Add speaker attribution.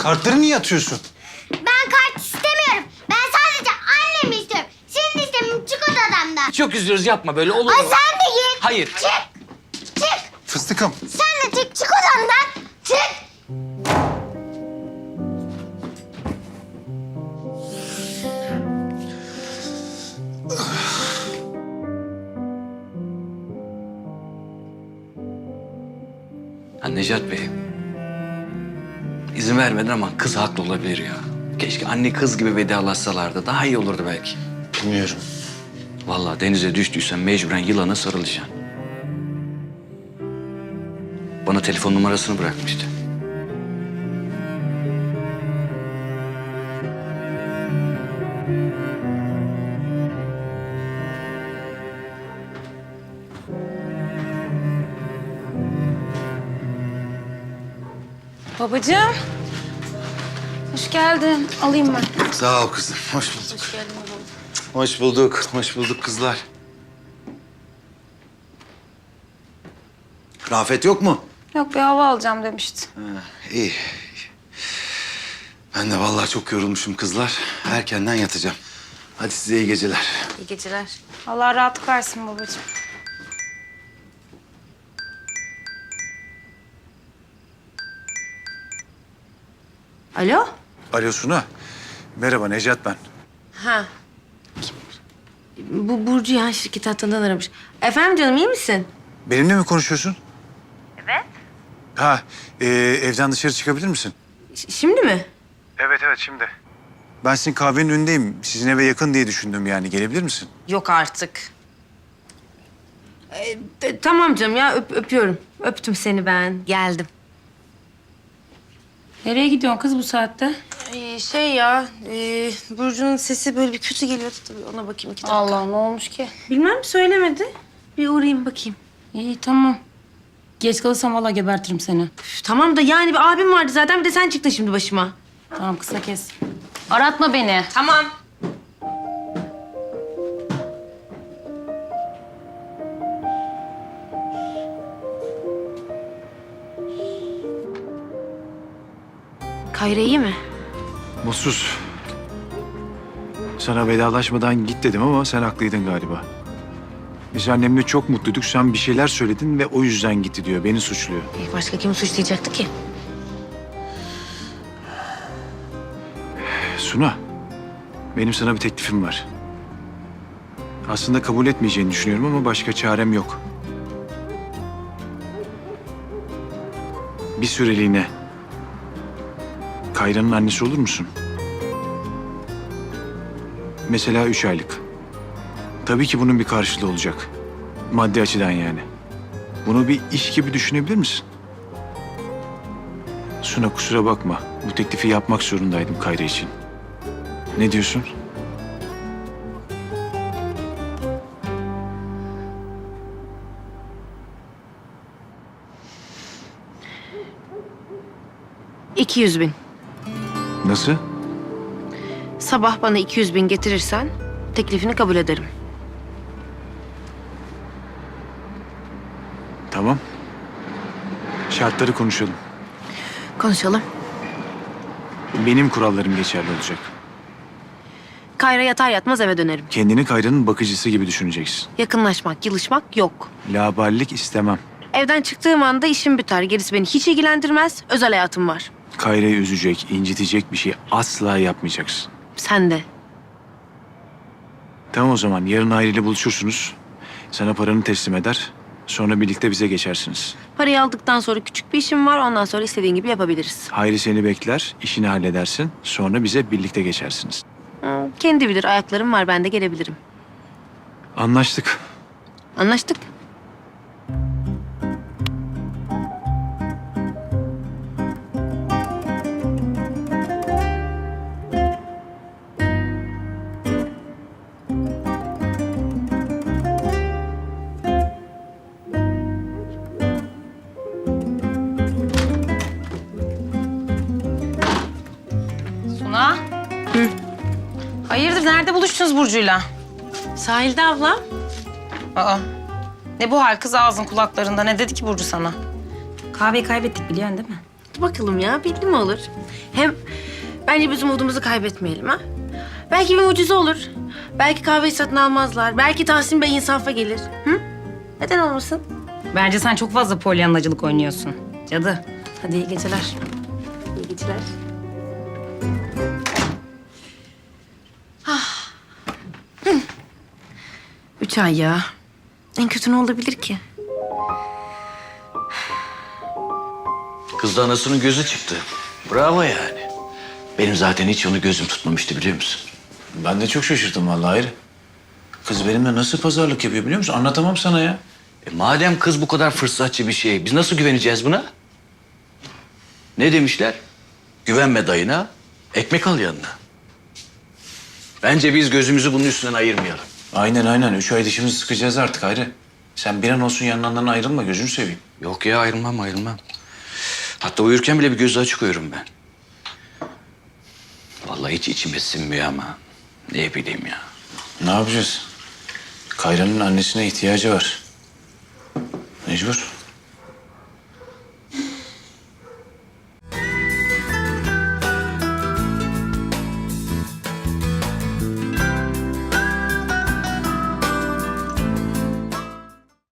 Speaker 1: Kartları niye atıyorsun?
Speaker 2: Ben kart istemiyorum. Ben sadece annemi istiyorum. Senin istemiyorum. Çık odamdan.
Speaker 3: Çok üzülürüz, yapma böyle, olur
Speaker 2: Ay
Speaker 3: mu?
Speaker 2: sen de git.
Speaker 3: Hayır.
Speaker 2: Çık. Çık.
Speaker 1: Fıstıkım.
Speaker 2: Sen de çık. Çık odamdan. Çık.
Speaker 3: Ha, Necat Bey. İzin vermedin ama kız haklı olabilir ya. Keşke anne kız gibi vedalaşsalardı. Daha iyi olurdu belki.
Speaker 1: Bilmiyorum.
Speaker 3: Vallahi denize düştüysen mecburen yılana sarılacaksın. Bana telefon numarasını bırakmıştı.
Speaker 4: Babacığım. Hoş geldin. Alayım ben.
Speaker 1: Sağ ol kızım. Hoş bulduk.
Speaker 4: Hoş geldin babam.
Speaker 1: Hoş bulduk. Hoş bulduk kızlar. Rafet yok mu?
Speaker 4: Yok, bir hava alacağım demişti.
Speaker 1: İyi. Ben de vallahi çok yorulmuşum kızlar. Erkenden yatacağım. Hadi size iyi geceler.
Speaker 4: İyi geceler. Allah rahatlık versin babacığım.
Speaker 5: Alo?
Speaker 1: Alo Suna. Merhaba Necat ben.
Speaker 5: Ha. Bu Burcu ya, şirket hattından aramış. Efendim canım, iyi misin?
Speaker 1: Benimle mi konuşuyorsun? Evet. Ha, evden dışarı çıkabilir misin?
Speaker 5: Şimdi mi?
Speaker 1: Evet şimdi. Ben sizin kahvenin önündeyim. Sizin eve yakın diye düşündüm yani. Gelebilir misin?
Speaker 5: Yok artık. Tamam canım ya, öpüyorum. Öptüm seni ben. Geldim.
Speaker 4: Nereye gidiyorsun kız bu saatte?
Speaker 5: Burcu'nun sesi böyle bir kötü geliyordu tabii. Ona bakayım 2 dakika.
Speaker 4: Allah, ne olmuş ki?
Speaker 5: Bilmem, söylemedi. Bir uğrayayım bakayım.
Speaker 4: İyi, tamam. Geç kalırsam vallahi gebertirim seni.
Speaker 5: Üf, tamam da yani bir abim vardı zaten, bir de sen çıktın şimdi başıma.
Speaker 4: Tamam, kısa kes. Aratma beni.
Speaker 5: Tamam. Kayra iyi mi?
Speaker 1: Mutsuz. Sana vedalaşmadan git dedim ama sen haklıydın galiba. Biz annemle çok mutluyduk. Sen bir şeyler söyledin ve o yüzden gitti diyor. Beni suçluyor.
Speaker 5: Başka kim suçlayacaktı ki?
Speaker 1: Suna, benim sana bir teklifim var. Aslında kabul etmeyeceğini düşünüyorum ama başka çarem yok. Bir süreliğine Kayra'nın annesi olur musun? Mesela 3 aylık. Tabii ki bunun bir karşılığı olacak. Maddi açıdan yani. Bunu bir iş gibi düşünebilir misin? Suna kusura bakma. Bu teklifi yapmak zorundaydım Kayra için. Ne diyorsun?
Speaker 5: $200.000.
Speaker 1: Nasıl?
Speaker 5: Sabah bana 200.000 getirirsen teklifini kabul ederim.
Speaker 1: Tamam. Şartları konuşalım.
Speaker 5: Konuşalım.
Speaker 1: Benim kurallarım geçerli olacak.
Speaker 5: Kayra yatar yatmaz eve dönerim.
Speaker 1: Kendini Kayra'nın bakıcısı gibi düşüneceksin.
Speaker 5: Yakınlaşmak, yılışmak yok.
Speaker 1: Laballik istemem.
Speaker 5: Evden çıktığım anda işim biter. Gerisi beni hiç ilgilendirmez. Özel hayatım var.
Speaker 1: Kayra'yı üzecek, incitecek bir şey asla yapmayacaksın.
Speaker 5: Sen de.
Speaker 1: Tamam o zaman yarın aileyle buluşursunuz. Sana paranı teslim eder. Sonra birlikte bize geçersiniz.
Speaker 5: Parayı aldıktan sonra küçük bir işim var. Ondan sonra istediğin gibi yapabiliriz.
Speaker 1: Hayri seni bekler, işini halledersin. Sonra bize birlikte geçersiniz.
Speaker 5: Kendi bilir. Ayaklarım var. Ben de gelebilirim.
Speaker 1: Anlaştık.
Speaker 5: Anlaştık.
Speaker 4: Suna.
Speaker 5: Hı.
Speaker 4: Hayırdır, nerede buluştunuz Burcu'yla?
Speaker 5: Sahilde abla.
Speaker 4: Aa. Ne bu hal kız, ağzın kulaklarında? Ne dedi ki Burcu sana? Kahveyi kaybettik biliyorsun değil mi?
Speaker 5: Hadi bakalım ya, belli mi olur? Hem bence biz umudumuzu kaybetmeyelim ha. Belki bir mucize olur. Belki kahveyi satın almazlar. Belki Tahsin Bey insafa gelir. Hı? Neden olmasın?
Speaker 4: Bence sen çok fazla polyanlacılık oynuyorsun. Cadı.
Speaker 5: Hadi iyi geceler. İyi geceler. 3 ay ya. En kötü ne olabilir ki?
Speaker 3: Kız da anasının gözü çıktı. Bravo yani. Benim zaten hiç onu gözüm tutmamıştı biliyor musun?
Speaker 1: Ben de çok şaşırdım vallahi Hayri. Kız benimle nasıl pazarlık yapıyor biliyor musun? Anlatamam sana ya.
Speaker 3: Madem kız bu kadar fırsatçı bir şey, biz nasıl güveneceğiz buna? Ne demişler? Güvenme dayına, ekmek al yanına. Bence biz gözümüzü bunun üstünden ayırmayalım.
Speaker 1: Aynen. 3 ay dişimizi sıkacağız artık Hayri. Sen bir an olsun yanlarından ayrılma gözünü seveyim.
Speaker 3: Yok ya ayrılmam. Hatta uyurken bile bir gözü açık uyurum ben. Vallahi hiç içime sinmiyor ama ne bileyim ya.
Speaker 1: Ne yapacağız? Kayra'nın annesine ihtiyacı var. Mecbur.